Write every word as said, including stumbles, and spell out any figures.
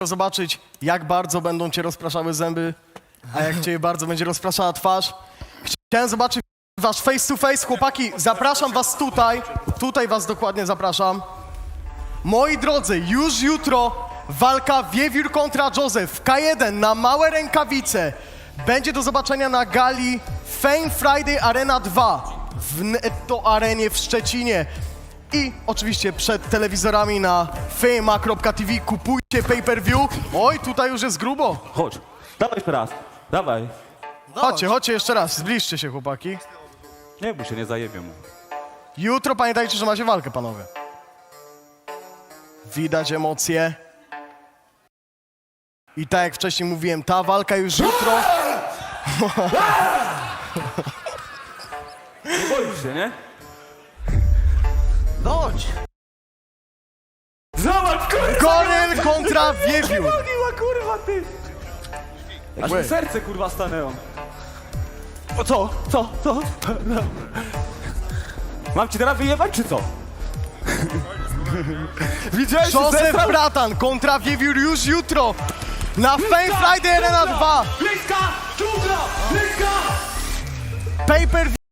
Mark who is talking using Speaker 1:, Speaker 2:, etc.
Speaker 1: zobaczyć, jak bardzo będą cię rozpraszały zęby, a jak cię bardzo będzie rozpraszała twarz. Chciałem zobaczyć wasz face to face. Chłopaki, zapraszam was tutaj. Tutaj was dokładnie zapraszam. Moi drodzy, już jutro walka Wiewiór kontra Joseph. K jeden na małe rękawice. Będzie do zobaczenia na gali Fame Friday Arena dwa w Netto Arenie w Szczecinie. I oczywiście przed telewizorami na fame kropka t v kupujcie pay-per-view. Oj, tutaj już jest grubo.
Speaker 2: Chodź, dawaj jeszcze raz, dawaj.
Speaker 1: Chodźcie, chodźcie jeszcze raz, zbliżcie się, chłopaki.
Speaker 2: Nie bój się, nie zajebię mu.
Speaker 1: Jutro pamiętajcie, że macie walkę, panowie. Widać emocje. I tak jak wcześniej mówiłem, ta walka już jutro.
Speaker 2: Nie boisz się, nie?
Speaker 1: Chodź!
Speaker 2: Zobacz, kurwa!
Speaker 1: Goryl kontra Wiewiór.
Speaker 2: Mówiła, kurwa, ty! Aż mi serce, kurwa, stanęło. O co? Co? Co? No. Mam ci teraz wyjebać, czy co? Widziałeś,
Speaker 1: Joseph Bratan kontra Wiewiór już jutro na Fame Friday Arena dwa.
Speaker 2: Bliska! Dżungla! Bliska!
Speaker 1: Pay-per-view.